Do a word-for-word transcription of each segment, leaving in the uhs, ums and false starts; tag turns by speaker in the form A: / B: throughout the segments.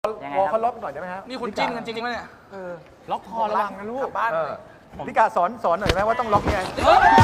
A: วอลเขาล็อกหน่อยได้ไหมฮะ
B: นี่คุณจิ้นกันจริงๆไหมเนี่ย
A: ล็อกคอระวังนะลูก
B: บ้าน
A: พี่กาสอนสอนหน่อยไหมว่าต้องล็อกยังไง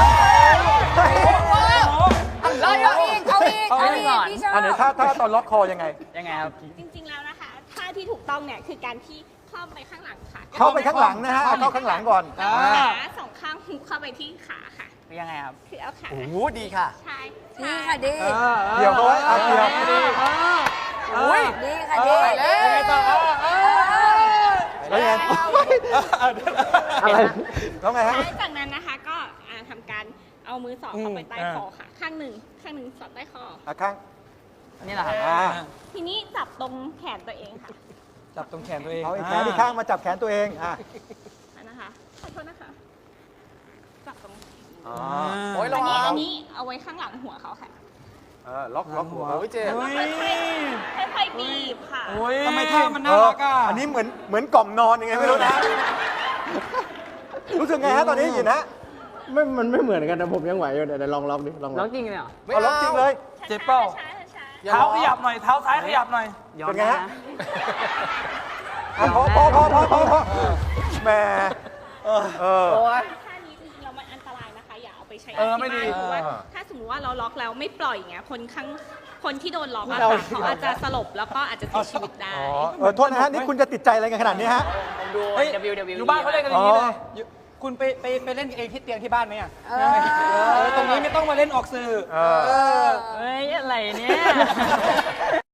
C: เราเอาอีกเอาอีกเอาอีกพี่ชอบ
A: อันไหนถ้าถ้าตอนล็อกคอยังไง
D: ยังไงครับ
E: จริงๆ แล้วนะคะท่าที่ถูกต้องเนี่ยคือการที่เข้าไปข้างหลังค่ะ
A: เข้าไปข้างหลังนะฮะเอาเข้าข้างหลังก่อน
E: ขาสองข้างฮุบเข้าไปที่ขาค่ะ
D: ยังไงครับ
E: คือเอาขา
B: โอ้โหดีค่ะ
E: ใช่
C: ดีค่ะดี
A: เกี่ยวเขาไว้เอาเกี่ยว
B: โอ้ย
C: ดีค่ะดี
B: ยังไงต่อ
A: แล้วยังไงอะไรแล้วไงฮะ
E: หลังจากนั้นนะคะก็อ่าทำการเอามือสอดเข้าไปใต้คอค่ะ ข้างหนึ่งข้างหนึ่งสอดใต้คอ
A: อ่ะข้าง
D: อันนี้แหละครับ
A: อ่า
E: ทีนี้จับตรงแขนตัวเองค่ะ
B: จับตรงแขนตัวเอง
A: เอาอีกแขนที่ข้างมาจับแขนตัวเองอ่ะ
E: อันนะคะขอโทษนะคะจับตรง
A: อ๋อ
B: โอ้ย
E: อั
B: ระ
E: น
B: วั
E: นี้อั
B: ง
E: นนี้เอาไว้ข้างหลังหัวเขาค่ะ
A: เออล็อกล็อกหัว
B: โอ้ยเจ็บ
E: ค่อยๆค่อยๆบีบค่ะ
B: โอ้ยทำไมท่ามันน่ารักอ่ะ
A: อันนี้เหมือนเหมือนกล่อมนอนยังไงไม่รู้นะ รู้สึกไงฮะตอนนี้ยินฮะ
F: ไม่ มันไม่เหมือนกันนะผมยังไหวอยู่เดี๋ยวเดี๋ยวลองล็อกดิ ลอง
D: ร้
F: ล็
D: อ
F: อง ก
D: จริงเลยเหรอ
A: เอาล็อกจริงเลย
B: เจ็บเปล่า
E: ช้าๆช้าๆ
B: เท้าขยับหน่อย เท้าซ้ายขยับหน่อย
D: ยอม
A: เป็นไง
D: ได้
A: ฮะ
D: นะ
A: อ่ะพอพอพอพอพอพอแหมเออ
E: ท่านี้จริงๆแล้วมันอันตรายนะคะ อย่าเอาไปใช้
B: เออไม่ดี
E: ที่บ้านเพราะว่า
A: เออ
E: ถ้าสมมติว่าเราล็อกแล้วไม่ปล่อยอย่างเงี้ยคนข้างคนที่โดนล็อกอะค่ะเขาอาจจะสลบแล้วก็อาจจะเสียชีวิตได้
A: อ๋อเออโทษนะฮะนี่คุณจะติดใจอะไรกันขนาดนี้ฮะ
D: ผมดู
B: เฮ้ย
D: ดับเบิลยู ดับเบิลยู
B: อยู่บ้านเขาเล่นกันอย่างนี้เล
A: อ๋
B: ย
A: อ
B: อยู่คุณไปไปไปเล่นเองที่เตียงที่บ้านไหมอ่ะ
C: เออ
B: เออตรงนี้ไม่ต้องมาเล่นออกสื่อ
A: เออ
B: เออ
D: เฮ้ย อะไรเนี่ย